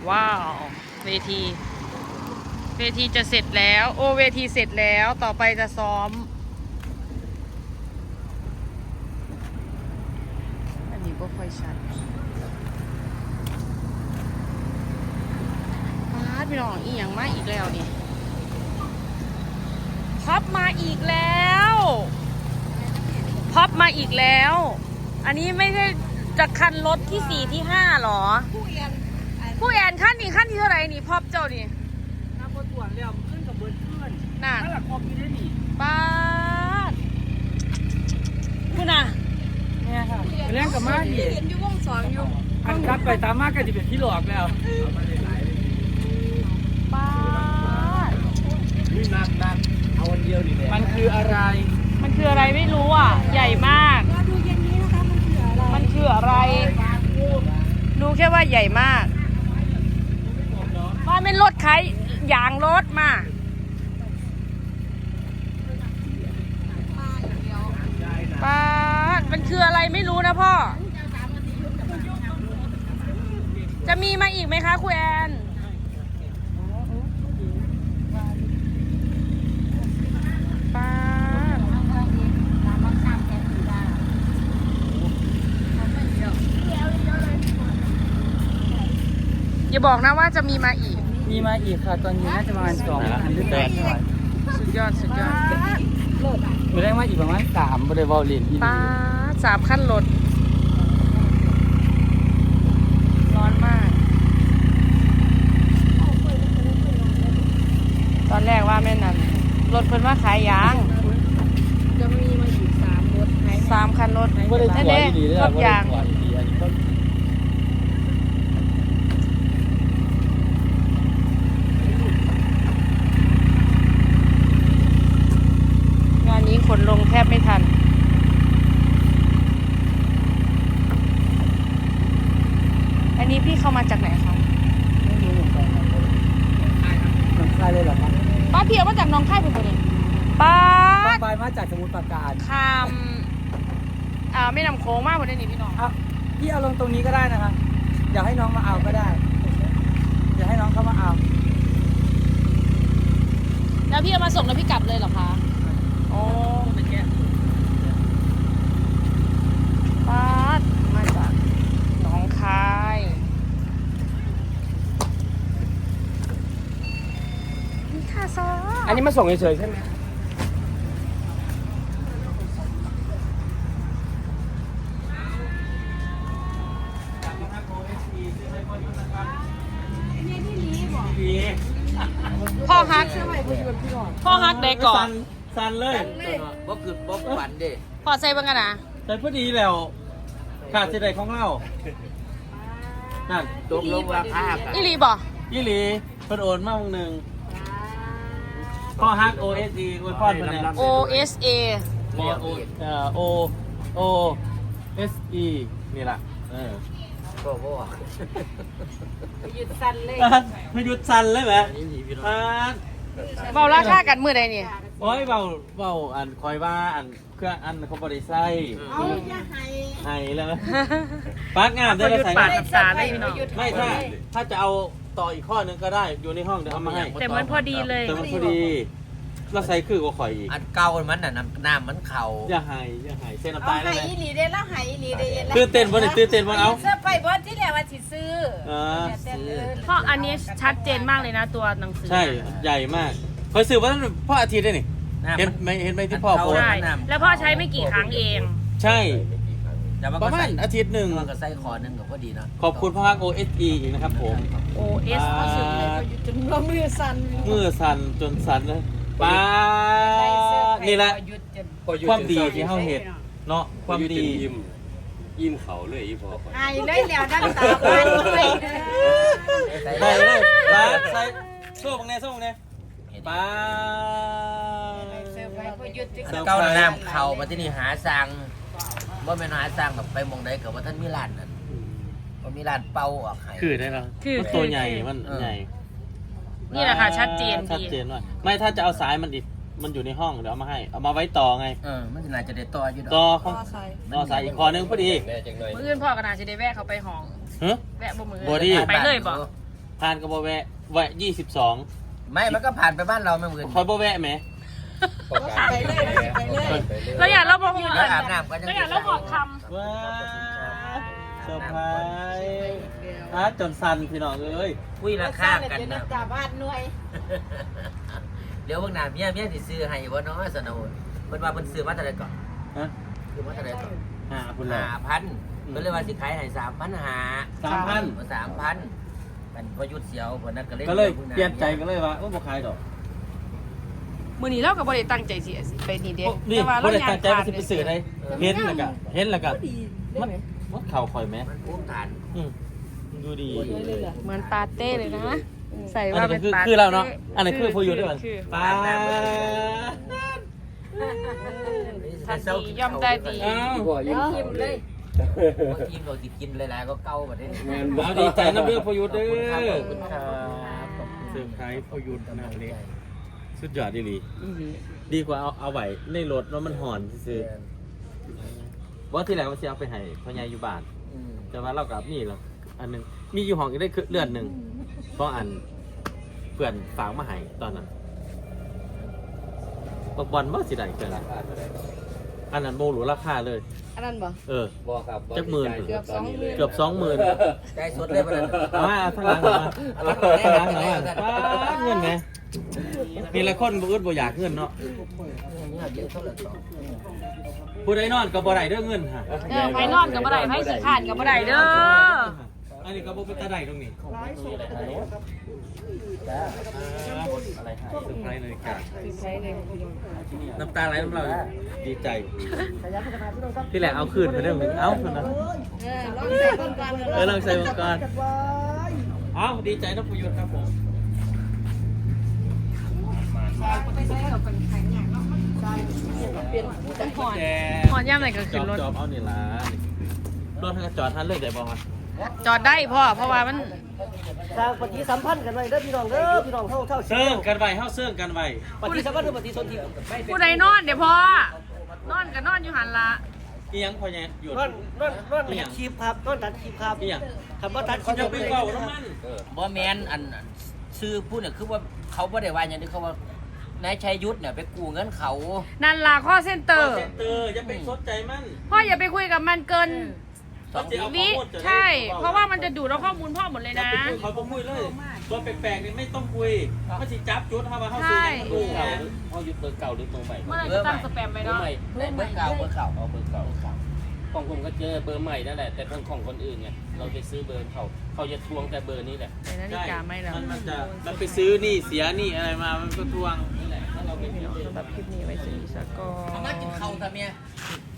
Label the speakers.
Speaker 1: ว้าวเวทีจะเสร็จแล้วโอเวทีเสร็จแล้วต่อไปจะซ้อมอันนี้ก็ค่อยชัดพี่น้องอีหยังมาอีกแล้วนี่พับมาอีกแล้วพับมาอีกแล้วอันนี้ไม่ใช่จะคันรถที่4ที่5หรอผู้แอนขั้นนี้ขั้นที่เท่าไหร่นี่พับเจ้านี่
Speaker 2: น้ำบนตรวจแล้วขึ้นกับเบิร์ดขึ้น
Speaker 1: น่ะ
Speaker 2: ถ้าหลักคอมมีได้หนิ
Speaker 1: ป้าดคุณน่ะ
Speaker 2: เนี่ยค่ะเล่นกับมาดิ
Speaker 3: เห็นอยู่วงสองอยู่
Speaker 2: อันครับไปตามมากก็จะเป็นที่หลอกแล้ว
Speaker 1: ป้าด
Speaker 4: นี่นักเอาวันเดียวดิเนี่ย
Speaker 2: มันคืออะไร
Speaker 1: มันคืออะไรไม่รู้อ่ะใหญ่มาก
Speaker 3: รอดูเย็นนี้นะคะมันคืออะไร
Speaker 1: รู้แค่ว่าใหญ่มากว่าเป็นรถใครยางรถมาป้าดมันคืออะไรไม่รู้นะพ่อจะมีมาอีกไหมคะครูแอนป้าดอย่าบอกนะว่าจะมีมาอีก
Speaker 2: มีมาอีกค่ะตอนนี้น่าจะประมาณ2,000หรือ800
Speaker 1: สุดยอด
Speaker 2: ไม่ได้มาอีกประมาณ3บริวารลิน
Speaker 1: ป้าด3ขั้นรถร้อนมากตอนแรกว่าแม่นั่นรถเพิ่นว่าขายยาง
Speaker 3: จะมีมาอีก3 รถ
Speaker 1: 3 คันรถ
Speaker 2: ไม่ได้ตัวดีเลย
Speaker 1: รถยางงานนี้ขนลงแทบไม่ทันอันนี้พี่เข้ามาจากไหนคะ
Speaker 2: ไม่รู้เหมือนกันน้องคายเลยเหรอครับ
Speaker 1: ป้าเพียวมาจากน้องค่ายเป็นตัวนี้ป้า
Speaker 2: ไปมาจากสมุทรปราการ
Speaker 1: ข้ามไม่นำโค้งมากกว่านี้พี่น้อง
Speaker 2: พี่เอาลงตรงนี้ก็ได้นะคะอยากให้น้องมาเอาก็ได้อยากให้น้องเข้ามาเอา
Speaker 1: แล้วพี่เอามาส่งแล้วพี่กลับเลยเหรอคะโอ้ป้ามาจากน้องคายนี่ค่ะซอ
Speaker 2: อันนี้มาส่งเฉยๆใช่ไหม
Speaker 1: พ่อฮักเด็กก่อน
Speaker 2: สันเลย
Speaker 4: บ๊อบคือบ๊อบฝันเด้
Speaker 1: พอใส่บ้างกันนะ
Speaker 2: แต่พอดีแล้วขาดสิได้ของเรานั่น
Speaker 4: ตกลงราคา
Speaker 1: อีหลีบ่
Speaker 2: ยี่หลีเพิ่นโอนมาวันหนึ่งพ่อฮัก OSE อวยพรเพิ่นเนี่ย
Speaker 1: OSA
Speaker 2: OSE นี่ล่ะ
Speaker 4: ก็บ่
Speaker 3: หยุดสั่นเลย
Speaker 2: ไม่หยุดสั่นเลยไหม
Speaker 1: เบาราคากันมือใดนี่
Speaker 2: โอ้ยเบาอันคอยว่าอันเครื่องอันเขาบริไซ
Speaker 3: เอาอย่าให้
Speaker 2: แล้วปักงามได้แล้วใส่
Speaker 1: ปาดน้ำตาได้พี่น้อง
Speaker 2: ไม่ถ้าจะเอาต่ออีกข้อนึงก็ได้อยู่ในห้องเดี๋ยวเอามาให้
Speaker 1: แต่มันพอดีเลย
Speaker 2: แต่มันพอดีเราใส่คือก็ข่อยอีก
Speaker 4: อันเก่ามันน่ะน้ำมันเข่า
Speaker 2: อย่าให้เส้นน้ำตาล
Speaker 3: ให้อีหลีได้แล้วให้อีหลีได้
Speaker 2: ตื่นเต้นบ่เนี่ยตื่นเต้นบ่เอา
Speaker 3: เสื้อไปบอสที่แล้วว่าสิซื้อ
Speaker 1: เพราะอันนี้ชัดเจนมากเลยนะตัวหนังสือ
Speaker 2: ใช่ใหญ่มากเคยซื้อว่าพ่ออาทิตย์ได้นี่เห็นไหมที่พ่อโพส
Speaker 1: ใช่แล้วพ่อใช้ไม่กี่ครั้งเอง
Speaker 2: ใช่ประมาณอาทิตย์หนึ่ง
Speaker 4: มันก็ใส่คอนึงก็พอดีนะ
Speaker 2: ขอบคุณพ่อ OSE อีกนะครับผม
Speaker 1: OS
Speaker 3: จนว่ามือสั่น
Speaker 2: จนสั่นเลยป้านี่แหละความดีที่เฮาเห็นเนาะความดี
Speaker 4: ยิ้มเขาเลยอีพอ
Speaker 3: ไอ้เลยแล้วดังตาไปเลย
Speaker 2: ได้เลยป้าใส่โซ่บังแน่ป้า
Speaker 4: เก้าน้ำเข่ามาที่นี่หาสั่งว่าเป็นหาสั่งแบบไปมองได้กับว่าท่านมีร้านนั่นว่ามีร้านเป่าออกไข่
Speaker 2: คือได้แล้วมันตัวใหญ่มันใหญ่
Speaker 1: นี่แหละค่ะชัดเจน
Speaker 2: ว่าไม่ถ้าจะเอาสายมันดิมันอยู่ในห้องเดี๋ยวเอามาให้เอามาไว้ต่อไง
Speaker 4: มันน่าจะได้ต่ออยู่
Speaker 2: ต่อสายอีกคอนึงพอดี
Speaker 1: มื้ออื่นพ่อก็น่าจะได้แวะเขาไปห้องแวะบ่มือ
Speaker 2: บ่ดี
Speaker 1: ไปเลยบ่
Speaker 2: ผ่านก็บ่แวะแวะ22
Speaker 4: ไม่มันก็ผ่านไปบ้านเราไม่เหมือน
Speaker 2: คอยบ่แวะไหม
Speaker 3: ไปเลยไปเลย
Speaker 1: เราอยากเราบอกอยู่
Speaker 4: แล้วอาบน้ำก็ยัง
Speaker 1: เราอยากเราบอกค
Speaker 2: ว้าเซอร์ไพรส์จนสั่นพี่น้องเอ้ย
Speaker 4: คุยราคากันนะ
Speaker 3: ตาบ้านหน่วย
Speaker 4: เดี๋ยวเบิ่งหน้าเมียสิซื้อให้บ่เนาะสนองเพิ่นว่าเพิ่นซื้อมาเท่าไหร่ก่อน
Speaker 2: ฮะ
Speaker 4: ซื้อมาเท่าไหร่ก่อน
Speaker 2: คุณล่ะ
Speaker 4: 5,000เพิ่นเลยว่าสิขายให้3,500 3,000มันพอยุดเสียวเพิ่นนั้นก็เลย
Speaker 2: ก็เลยเปลี่ยนใจก็เลยว่าบ่ขายดอก
Speaker 1: ำมือนี้เราก็บ่ได้ตั้งใจสิไปนี่เด้
Speaker 2: นี่
Speaker 1: แต่ว่า
Speaker 2: บ่
Speaker 1: เรา
Speaker 2: ได้
Speaker 1: อยาก
Speaker 2: ตั้งใจว่าสิไปซื้อได้เห็นแล้วก็มันเข่าข่อยไหม
Speaker 4: มันภูมิฐาน
Speaker 2: ดูดี
Speaker 1: เหมือนปาเต้เลยนะ ใส่
Speaker 2: อัน
Speaker 1: ว่า
Speaker 2: นี้
Speaker 1: เป็น
Speaker 2: คือ
Speaker 1: ปาเต้
Speaker 2: คือเราเนาะอันนี้คือพออยู่ด้วยกัน
Speaker 1: คือ
Speaker 2: ป้า
Speaker 1: ทันทีย่อมได้ดี
Speaker 2: อ้าว
Speaker 3: ยิ้มเลย
Speaker 4: กินก็กินหลายๆก็เก่าบัดนี้
Speaker 2: เอาดีใจนะเรื่องพออยู่เด้อ
Speaker 4: ขอบคุณครับ
Speaker 2: เซอร์ไพรส์พออยู่นะวันนี้สุดยอดดีดีกว่าเอาไว้ในรถแล้วมันห่อนซื้อว่าที่แรกว่าจะเอาไปให้พ่อใหญ่อยู่บ้านแต่ว่าเรากับนี่แล้วอันนึงมีอยู่ห้องอีกได้เลือดหนึ่งเพราะอันเพื่อนฝากมาให้ตอนนั้นบอลว่าสิได้เกินอันนั้นโมหรูราคาเลย
Speaker 3: อันนั้นบ่
Speaker 2: บอกครับจักหมื่นเกือบ20,000
Speaker 4: ได้สดเลยบัดนั้น
Speaker 2: มาทางหลังมาทางหลังมาเงินไงมีหลายคนบ่อึดบ่อยากเงินเนาะผู้ใดนอนก็บ่ได้เด้อเงินฮะ
Speaker 1: ไฟนอนกับบ่ได้ไฟขี้ขาดกับบ่ได้เด้อ
Speaker 2: อันนี้ก็บ่เป็นตาได้ตรงนี้อะไรหายเซอร์ไพรส์เลยค่ะน้ำตาไหลน้ำเราดีใจที่แหละเอาคืนไปเรื่องนึงเอาคืนนะ
Speaker 3: ลองใส่ก่อน
Speaker 2: ลองใส่มังกรเอาดีใจนะประยุทธ์ครับผม
Speaker 1: หอนย่ำไหนก็ขึ้นรถ
Speaker 2: จอบเอานี่ล่ะรถทางจอดท่านเลยได้บ่ฮะ
Speaker 1: จอดได้พ่อเพราะว่ามัน
Speaker 5: สร้างปฏิสัมพันธ์กันไว้เด้อพี่น้องเด้อพี่น้องเท่า
Speaker 2: เซิร์งกันไว้เฮาเซิร์งกันไว้
Speaker 5: ปฏิสัมพันธ์หรือปฏิสนธิ
Speaker 1: ผู้ใดนอนเดี๋ยวพ่อนอนก็นอนอยู่หันละ
Speaker 2: อีหยังพอแย่หยุด
Speaker 5: นอนตัดคลิปครับนอนตัดคลิปครับ
Speaker 2: อีหยัง
Speaker 5: คำว่าตัดคลิป
Speaker 2: จะไปเว้าน้ำมัน
Speaker 4: บ่แม่นอันซื้อพูดเนี่ยคือว่าเขาบ่ได้ว่าอย่างนี้เขาว่านายชัยยุทธเนี่ยไปกู้เงินเขา
Speaker 1: นั่นล่ะข้อเซ็นเตอร์
Speaker 2: เซ็นเตอร์อย่าไปสนใจมัน
Speaker 1: พ่ออย่าไปคุยกับมันเกิน
Speaker 2: เขาจะเอาข้อ
Speaker 1: วิ
Speaker 2: มูลจะได้
Speaker 1: ใช่ เพราะว่ามันจะดูดเอาข้อมูลพ่อหมดเลย
Speaker 2: อย่า
Speaker 1: นะ
Speaker 2: ไปคุยเขาบ่คุยเลยตัวแปลกๆนี่ไม่ต้องคุยเขาสิจับจุดเฮาว่าเฮาซื้อหยังดูแหม
Speaker 6: เขายึดเบอร์เก่าหรือเบอร์ใหม่
Speaker 1: เมื่อไหร่จะตั้งสแปมไปเนาะ
Speaker 4: เบอร์เก่า
Speaker 6: เอาเบอร์เก่าของผมก็เจอเบอร์ใหม่นั่นแหละแต่ของคนอื่นเนี่ยเราไปซื้อเบอร์เขาจะทวงแต่เบอร์นี้แหละ
Speaker 1: ในนาฬิกาไม่แล้ว
Speaker 2: มันไปซื้อนี่เสียนี่อะไรมามันก็ทวง
Speaker 6: นี่แหละถ้าเราไปซื้อเบอร์
Speaker 1: สำหรับคลิปนี้ไว้สวัสดีสักก่อ
Speaker 4: เอามากิน
Speaker 1: น
Speaker 4: ข้าวซะเมีย